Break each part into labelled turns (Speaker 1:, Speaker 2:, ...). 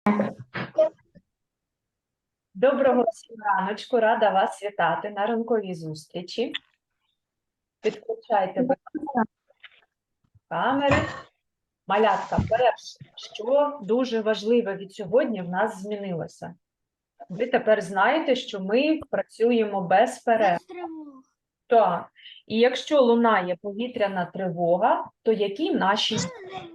Speaker 1: Доброго всім раночку, рада вас вітати на ранковій зустрічі. Підключайте, будь ласка, камери. Малятка, перше, що дуже важливо від сьогодні в нас змінилося. Ви тепер знаєте, що ми працюємо без перерв. Так. І якщо лунає повітряна тривога, то які наші дії?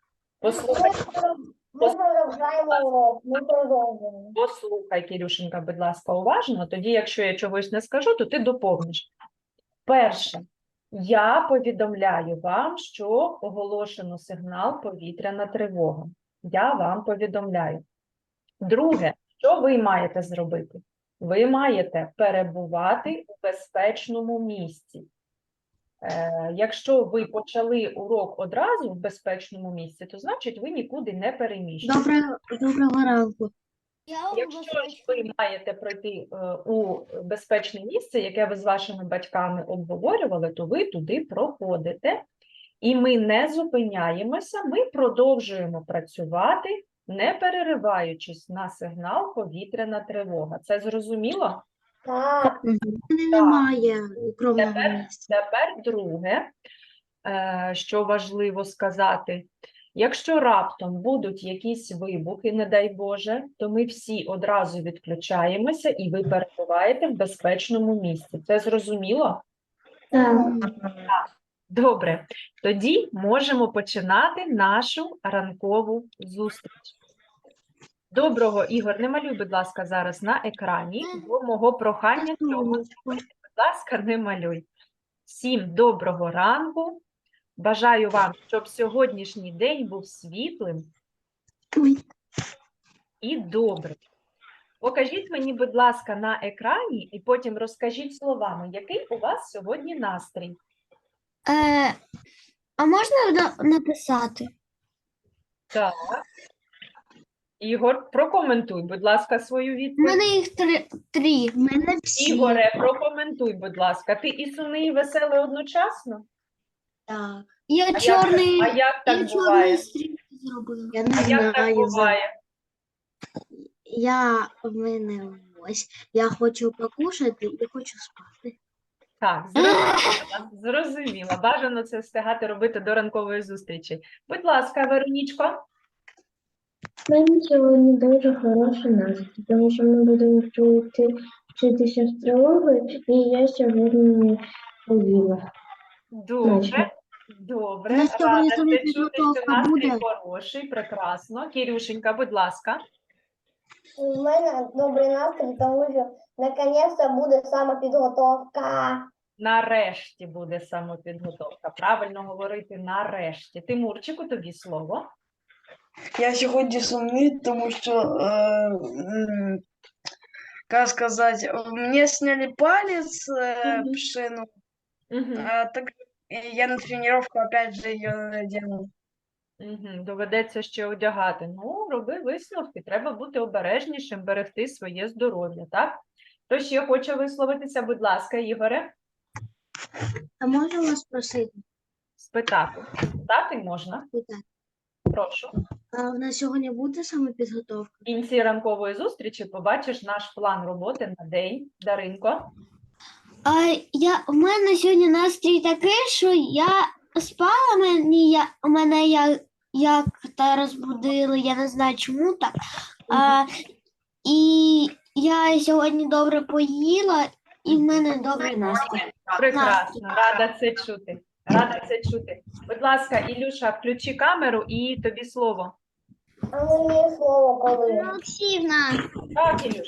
Speaker 1: Послухай, Кирюшенька, будь ласка, уважно. Тоді, якщо я чогось не скажу, то ти доповниш. Перше, я повідомляю вам, що оголошено сигнал повітряна тривога. Я вам повідомляю. Друге, що ви маєте зробити? Ви маєте перебувати у безпечному місці. Якщо ви почали урок одразу в безпечному місці, то значить ви нікуди не переміщуєтесь.
Speaker 2: Доброго ранку.
Speaker 1: Якщо ж ви маєте пройти у безпечне місце, яке ви з вашими батьками обговорювали, то ви туди проходите. І ми не зупиняємося, ми продовжуємо працювати, не перериваючись на сигнал повітряна тривога. Це зрозуміло?
Speaker 3: Так.
Speaker 2: Немає укромного місця.
Speaker 1: Тепер друге, що важливо сказати. Якщо раптом будуть якісь вибухи, не дай Боже, то ми всі одразу відключаємося і ви перебуваєте в безпечному місці. Це зрозуміло?
Speaker 3: Так.
Speaker 1: Добре. Тоді можемо починати нашу ранкову зустріч. Доброго, Ігор, не малюй, будь ласка, зараз на екрані, бо мого прохання цього не робити. Будь ласка, не малюй. Всім доброго ранку. Бажаю вам, щоб сьогоднішній день був світлим і добрим. Покажіть мені, будь ласка, на екрані і потім розкажіть словами, який у вас сьогодні настрій.
Speaker 2: А можна написати?
Speaker 1: Так. Ігор, прокоментуй, будь ласка, свою
Speaker 2: У
Speaker 1: відповідь.
Speaker 2: мене їх три. У мене всі.
Speaker 1: Ігоре, прокоментуй, будь ласка. Ти і сумний, і веселий одночасно?
Speaker 2: Так. Я
Speaker 1: А
Speaker 2: чорний.
Speaker 1: як
Speaker 2: Я
Speaker 1: так
Speaker 2: чорний
Speaker 1: буває?
Speaker 2: стрілки зробила.
Speaker 3: Я не
Speaker 1: А як так
Speaker 3: знаю.
Speaker 1: буває?
Speaker 2: В мене ось. Я хочу покушати і хочу спати.
Speaker 1: Так, зрозуміла. Бажано це встигати робити до ранкової зустрічі. Будь ласка, Веронічко.
Speaker 3: У мене сьогодні дуже хороший настрій, тому що ми будемо вчитися астрологію, і я сьогодні не поїла.
Speaker 1: Добре. Добре.
Speaker 2: На сьогодні
Speaker 1: Рада
Speaker 2: саме
Speaker 1: це чути, що
Speaker 2: підготовка
Speaker 1: настрій
Speaker 2: буде.
Speaker 1: хороший, прекрасно. Кірюшенька, будь ласка.
Speaker 4: У мене добрий настрій, тому що наконець-то буде самопідготовка.
Speaker 1: Нарешті буде самопідготовка. Правильно говорити нарешті. Тимурчику, тобі слово.
Speaker 5: Я сьогодні сумний, тому що, як сказати, мені сняли палець, пшину, так я на тренировку опять же її надіну.
Speaker 1: Доведеться ще одягати. Ну, роби висновки. Треба бути обережнішим, берегти своє здоров'я, так? Хто ще хоче висловитися, будь ласка, Ігоре?
Speaker 2: А можу вас просити?
Speaker 1: Спитати. Спитати можна?
Speaker 2: Питати.
Speaker 1: Прошу.
Speaker 2: А в нас сьогодні буде саме підготовка?
Speaker 1: В кінці ранкової зустрічі побачиш наш план роботи на день. Даринко.
Speaker 2: У мене сьогодні настрій такий, що я спала, мене як та розбудили, я не знаю чому так. І я сьогодні добре поїла, і в мене добрий настрій.
Speaker 1: Прекрасно, рада це чути. Рада це чути. Будь ласка, Ілюша, включи камеру і тобі слово.
Speaker 4: А мені слово коли?
Speaker 2: Олексіївна,
Speaker 1: Так, Ілюш.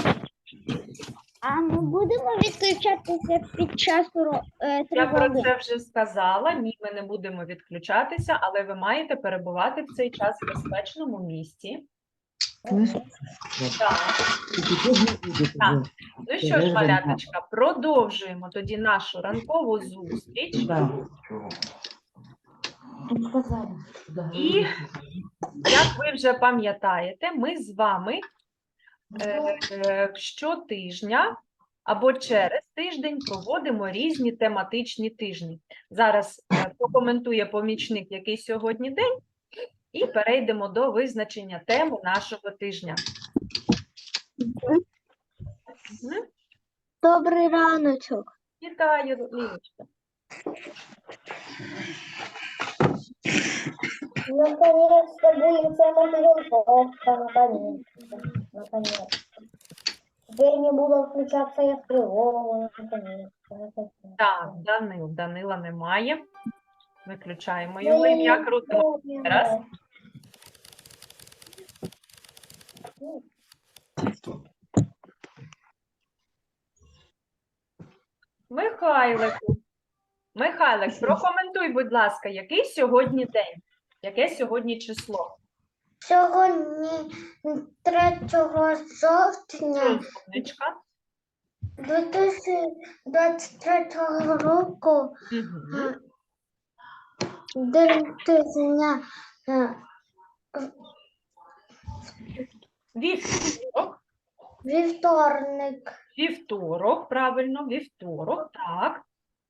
Speaker 2: а ми будемо відключатися під час
Speaker 1: Я про це вже сказала. Ні, ми не будемо відключатися, але ви маєте перебувати в цей час в безпечному місці. Так. Так. Ну що ж, маляточка, продовжуємо тоді нашу ранкову зустріч. І, як ви вже пам'ятаєте, ми з вами щотижня або через тиждень проводимо різні тематичні тижні. Зараз прокоментує помічник, який сьогодні день, І перейдемо до визначення теми нашого тижня. Мгм.
Speaker 2: Добрий раночок.
Speaker 1: Вітаю, Лілечка.
Speaker 4: Наконец-то будет самоподготовка, наконец-то. Теперь не буду включаться я в тревогу, наконец-то.
Speaker 1: Так, Данила немає. Виключаємо його ім'я. Крутимо раз. Михайлик, прокоментуй, будь ласка, який сьогодні день? Яке сьогодні число?
Speaker 3: Сьогодні 3 жовтня
Speaker 1: Сонечка.
Speaker 3: 2023 року
Speaker 1: Мгм.
Speaker 3: день тижня
Speaker 1: Вівторок.
Speaker 3: вівторник.
Speaker 1: Вівторок, правильно, вівторок, так.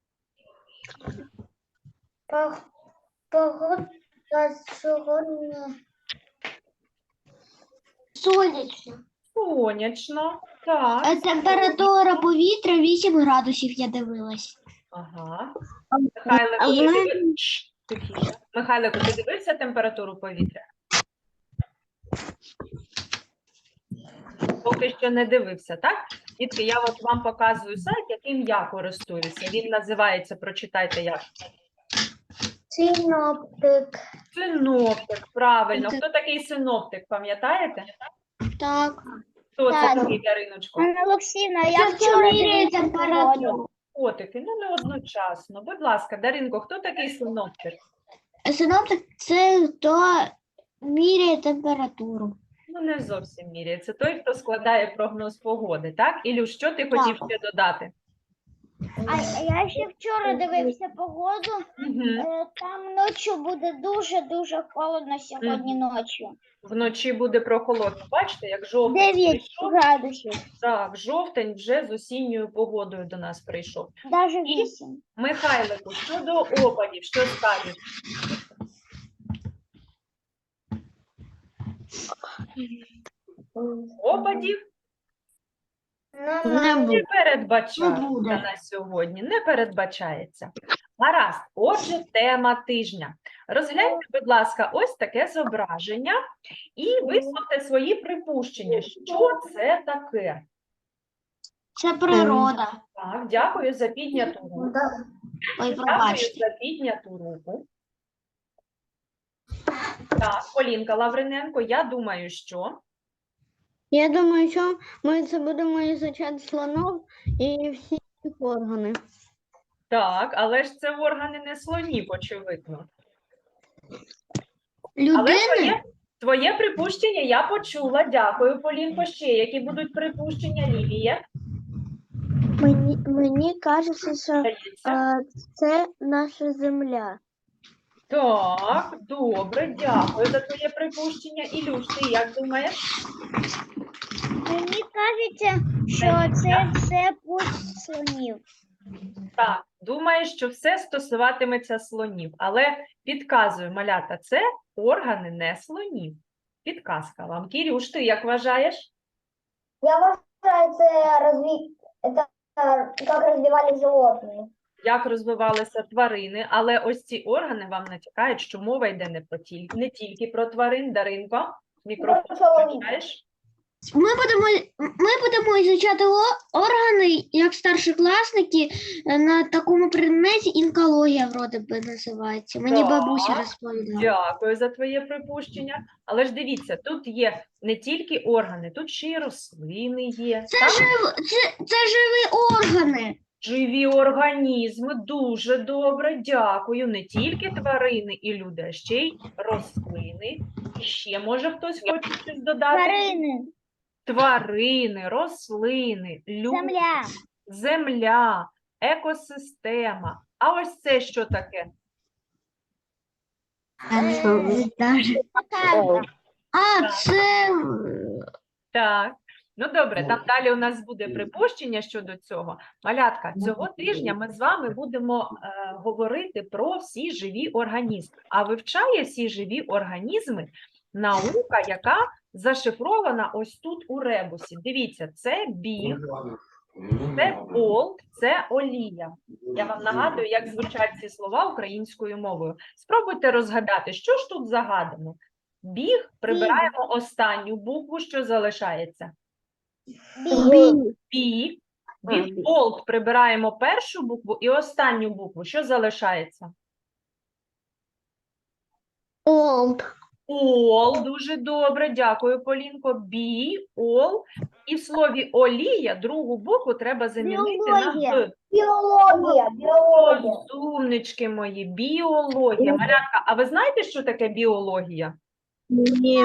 Speaker 3: Погода сьогодні
Speaker 2: Сонячно.
Speaker 1: Сонячно, так.
Speaker 2: Температура повітря 8 градусів, я дивилась.
Speaker 1: Ага. Михайлику, тихіше. Михайлику, ти дивився температуру повітря? Поки що не дивився, так? Дітки, я от вам показую сайт, яким я користуюся. Він називається, прочитайте як.
Speaker 3: синоптик.
Speaker 1: Синоптик, правильно. Хто такий синоптик, пам'ятаєте?
Speaker 2: Так.
Speaker 1: Хто це
Speaker 2: Так.
Speaker 1: такий, Дариночко?
Speaker 4: Анна Олексійовна,
Speaker 2: Я вчора міряю температуру.
Speaker 1: Котики, ну не одночасно. Будь ласка, Даринко, хто такий синоптик?
Speaker 2: Синоптик – це хто міряє температуру.
Speaker 1: Ну, не зовсім міряє. Це той, хто складає прогноз погоди, так? Ілюш, що ти хотів ще додати?
Speaker 6: А я ще вчора дивився погоду.
Speaker 1: Угу.
Speaker 6: Там ночі буде дуже-дуже холодно сьогодні ночі.
Speaker 1: Вночі буде прохолодно. Бачите, як жовтень
Speaker 6: 9
Speaker 1: прийшов?
Speaker 6: градусів,
Speaker 1: Так, жовтень вже з осінньою погодою до нас прийшов.
Speaker 6: навіть 8.
Speaker 1: Михайлику, щодо опадів, що скажеш? Опадів не передбачається
Speaker 2: буде.
Speaker 1: на сьогодні, не передбачається. Гаразд, отже, тема тижня. Розгляньте, будь ласка, ось таке зображення і висловте свої припущення. Що це таке?
Speaker 2: Це природа.
Speaker 1: Так, дякую за підняту руку.
Speaker 2: Ой,
Speaker 1: Дякую
Speaker 2: пробачте.
Speaker 1: за підняту руку. Так, Полінка Лавриненко, я думаю, що...
Speaker 7: Я думаю, що ми це будемо ізучати слонов і всі їх органи.
Speaker 1: Так, але ж це органи не слонів, очевидно. Але
Speaker 2: Людини?
Speaker 1: твоє припущення я почула. Дякую, Полінко. Ще які будуть припущення, Лілія?
Speaker 7: Мені кажеться, що
Speaker 1: Здається.
Speaker 7: це наша земля.
Speaker 1: Так, добре, дякую за твоє припущення. Ілюш, ти як думаєш?
Speaker 6: Мені кажеться, що це все путь слонів.
Speaker 1: Так, думаєш, що все стосуватиметься слонів, але підказую, малята, це органи не слонів. Підказка вам. Кірюш, ти як вважаєш?
Speaker 4: Я вважаю, это как развивались животные.
Speaker 1: Як розвивалися тварини, але ось ці органи вам натякають, що мова йде не тільки про тварин. Даринко, мікрофон включаєш?
Speaker 2: Ми будемо ізучати органи, як старшокласники, на такому предметі інкологія, вроде би, називається. Мені
Speaker 1: Так.
Speaker 2: бабуся розповідала.
Speaker 1: Дякую за твоє припущення. Але ж дивіться, тут є не тільки органи, тут ще й рослини є.
Speaker 2: Це,
Speaker 1: так?
Speaker 2: це живі органи.
Speaker 1: Живі організми, дуже добре, дякую. Не тільки тварини і люди, а ще й рослини. І ще, може, хтось хоче щось додати?
Speaker 6: Тварини,
Speaker 1: Тварини, рослини, люди,
Speaker 6: земля,
Speaker 1: земля, екосистема. А ось це що таке?
Speaker 6: карта,
Speaker 2: А, це
Speaker 1: Так, Ну, добре, там далі у нас буде припущення щодо цього. Малятка, цього тижня ми з вами будемо говорити про всі живі організми. А вивчає всі живі організми наука, яка зашифрована ось тут у ребусі. Дивіться, це біг, це болт, це олія. Я вам нагадую, як звучать ці слова українською мовою. Спробуйте розгадати, що ж тут загадано. Біг, прибираємо останню букву, що залишається. Біг. Болт, прибираємо першу букву і останню букву, що залишається?
Speaker 7: Олд.
Speaker 1: Ол, дуже добре, дякую, Полінко. Бі, ол. І в слові олія другу букву треба замінити на г.
Speaker 4: Биология.
Speaker 1: Розумнички мої, біологія. Малятка, а ви знаєте, що таке біологія?
Speaker 7: Ні.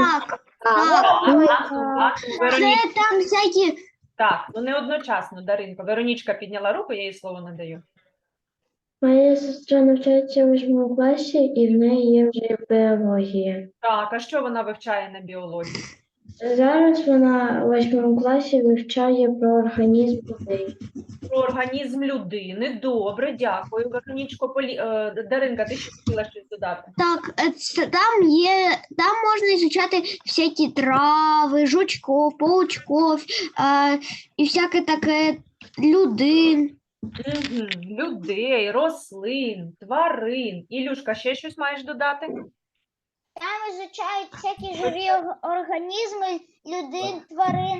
Speaker 2: Це там всякі
Speaker 1: Так, ну не одночасно, Даринко. Веронічка підняла руку, я їй слово надаю.
Speaker 3: Моя сестра навчається в 8 класі, і в неї є вже біологія.
Speaker 1: Так, а що вона вивчає на біології?
Speaker 3: Зараз вона в 8 класі вивчає про організм людей.
Speaker 1: Про організм людини. Добре, дякую. Веронічко, Даринка, ти ще хотіла щось додати?
Speaker 2: так, там можна ізучати всякі трави, жучков, паучков і всяке таке людей.
Speaker 1: Людей, рослин, тварин. Ілюшка, ще щось маєш додати?
Speaker 6: Там изучают всякие живые организмы, людей, тварин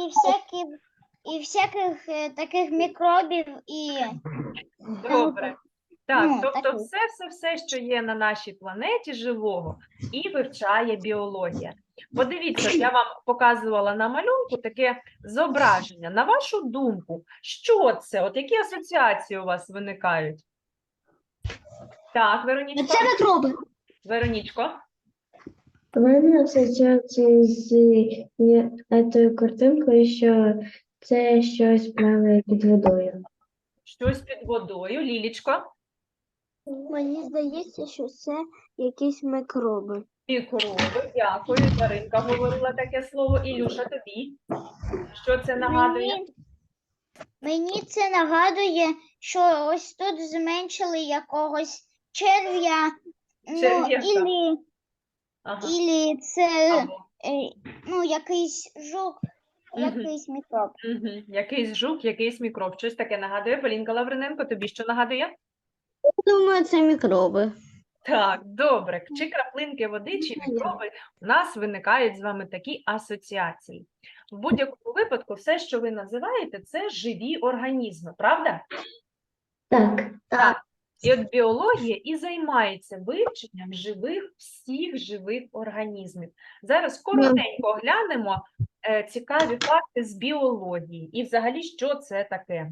Speaker 6: и всяких таких микробів і
Speaker 1: Добре. Так,
Speaker 6: Ну,
Speaker 1: тобто
Speaker 6: таке.
Speaker 1: все, що є на нашій планеті живого, і вивчає біологія. Подивіться, я вам показувала на малюнку таке зображення. На вашу думку, що це? От які асоціації у вас виникають? Так, Веронічко.
Speaker 2: Це мікроби.
Speaker 1: Веронічко.
Speaker 3: У мене асоціації з цією картинкою, що це щось плаває під водою.
Speaker 1: Щось під водою. Лілічко.
Speaker 7: Мені здається, що це якісь мікроби.
Speaker 1: Мікроби, дякую. Даринка говорила таке слово. Ілюша, тобі. Що це нагадує?
Speaker 6: Мені це нагадує, що ось тут зменшили якогось черв'я,
Speaker 1: Черв'яка. Ага.
Speaker 6: ілі це
Speaker 1: Або.
Speaker 6: якийсь жук,
Speaker 1: Мгм.
Speaker 6: якийсь мікроб.
Speaker 1: Якийсь жук, якийсь мікроб. Щось таке нагадує. Полінка Лавриненко, тобі що нагадує?
Speaker 7: Думаю, це мікроби.
Speaker 1: Так, добре. Чи краплинки води, чи мікроби, у нас виникають з вами такі асоціації. В будь-якому випадку все, що ви називаєте, це живі організми, правда?
Speaker 3: Так.
Speaker 1: І от біологія і займається вивченням всіх живих організмів. Зараз коротенько глянемо цікаві факти з біології. І взагалі, що це таке?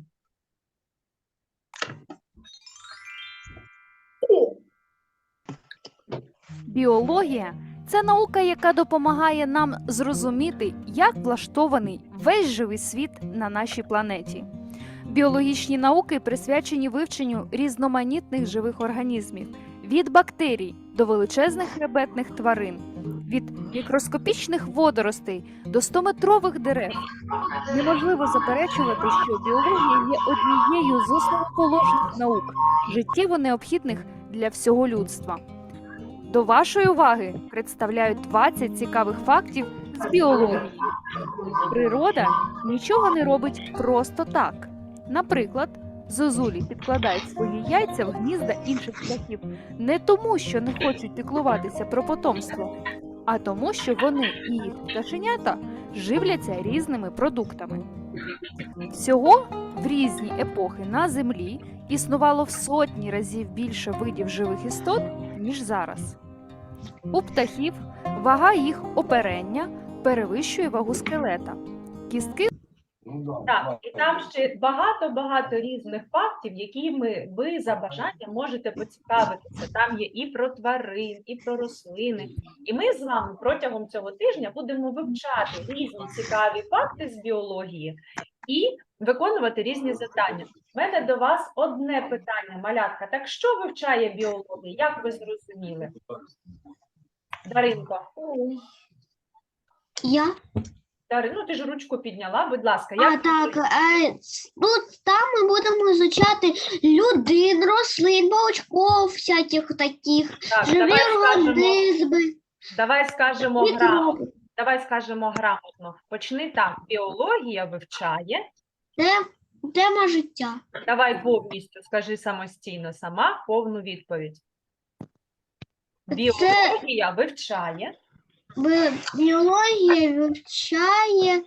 Speaker 8: Біологія – це наука, яка допомагає нам зрозуміти, як влаштований весь живий світ на нашій планеті. Біологічні науки присвячені вивченню різноманітних живих організмів – від бактерій до величезних хребетних тварин, від мікроскопічних водоростей до 100-метрових дерев. Неможливо заперечувати, що біологія є однією з основоположних наук, життєво необхідних для всього людства. До вашої уваги представляю 20 цікавих фактів з біології. Природа нічого не робить просто так. Наприклад, зозулі підкладають свої яйця в гнізда інших птахів не тому, що не хочуть піклуватися про потомство, а тому, що вони і їх пташенята живляться різними продуктами. Всього в різні епохи на Землі існувало в сотні разів більше видів живих істот, ніж зараз. У птахів вага їх оперення перевищує вагу скелета. Кістки
Speaker 1: Так, і там ще багато різних фактів, якими ви за бажанням можете поцікавитися. Там є і про тварин, і про рослини. І ми з вами протягом цього тижня будемо вивчати різні цікаві факти з біології і виконувати різні завдання. У мене до вас одне питання, малятка. Так що вивчає біологія? Як ви зрозуміли? Даринко.
Speaker 2: Я
Speaker 1: Дарина, ну ти ж ручку підняла, будь ласка.
Speaker 2: А,
Speaker 1: Як
Speaker 2: так, тут там ми будемо изучати людин, рослин, паучков, всяких таких,
Speaker 1: Так,
Speaker 2: живі організми, мікроби.
Speaker 1: давай скажемо грамотно. Почни так. Біологія вивчає.
Speaker 2: Тема життя.
Speaker 1: Давай повністю скажи самостійно сама повну відповідь. Біологія вивчає.
Speaker 2: Біологія вивчає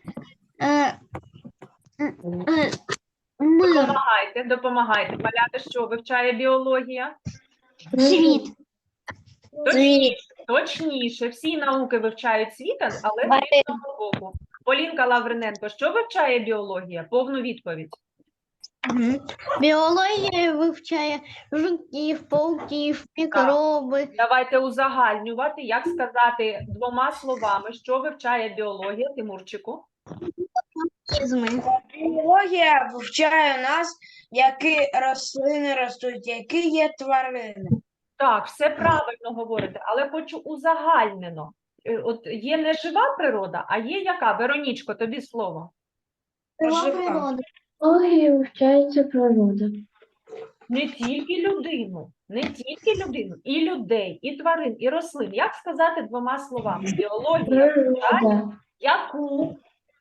Speaker 2: мир,
Speaker 1: Допомагайте. Малята, що вивчає біологія?
Speaker 2: світ.
Speaker 1: Точніше, всі науки вивчають світ, але з різного боку. Полінка Лавриненко, що вивчає біологія? Повну відповідь.
Speaker 7: Біологія вивчає жуків, пауків, мікроби.
Speaker 1: Давайте узагальнювати, як сказати двома словами, що вивчає біологія, Тимурчику?
Speaker 7: Організми.
Speaker 5: Біологія вивчає у нас, які рослини ростуть, які є тварини.
Speaker 1: Так, все правильно говорите, але хочу узагальнено. От є не жива природа, а є яка? Веронічко, тобі слово.
Speaker 5: Жива.
Speaker 3: Біологія вивчається природа.
Speaker 1: Не тільки людину, і людей, і тварин, і рослин. Як сказати двома словами? Біологія вивчає
Speaker 3: Природа.
Speaker 1: яку?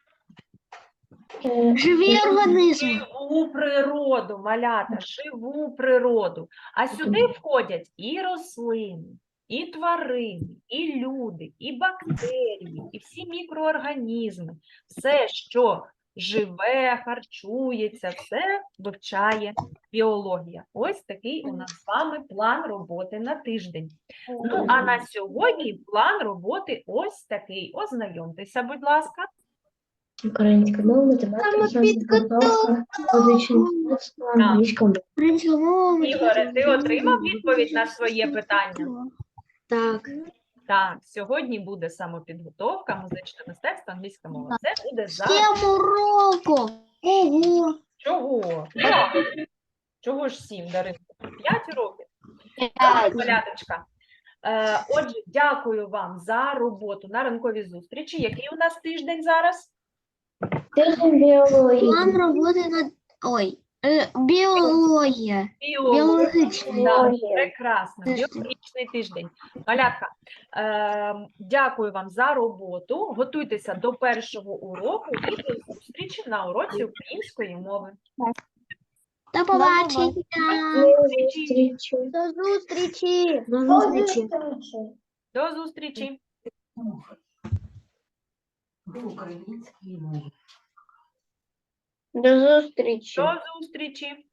Speaker 2: Живі організми.
Speaker 1: Живу природу, малята, живу природу. А сюди входять і рослини, і тварини, і люди, і бактерії, і всі мікроорганізми. Все, що живе, харчується, все вивчає біологія. Ось такий у нас з вами план роботи на тиждень. Ну, а на сьогодні план роботи ось такий. Ознайомтеся, будь ласка.
Speaker 3: Українська мова, математика, підготовка, музичне мистецтво, англійська мова.
Speaker 1: Ігоре, ти отримав відповідь на своє питання?
Speaker 2: Так.
Speaker 1: Так, сьогодні буде самопідготовка, музичне мистецтво, англійська мова. Це буде завтра.
Speaker 2: 7 уроків. Ого.
Speaker 1: Чого? Так. Чого ж 7, Даринко? 5 років. Так, маляточка. Отже, дякую вам за роботу на ранковій зустрічі. Який у нас тиждень зараз?
Speaker 3: Тиждень біології.
Speaker 2: План роботи над... біологія. Біологічна.
Speaker 1: Так, прекрасно. Біологічний тиждень. Малятка, дякую вам за роботу. Готуйтеся до першого уроку і до зустрічі на уроці української мови.
Speaker 2: До побачення.
Speaker 3: До зустрічі.
Speaker 7: До зустрічі.
Speaker 1: До зустрічі.
Speaker 3: До зустрічі.
Speaker 1: До зустрічі.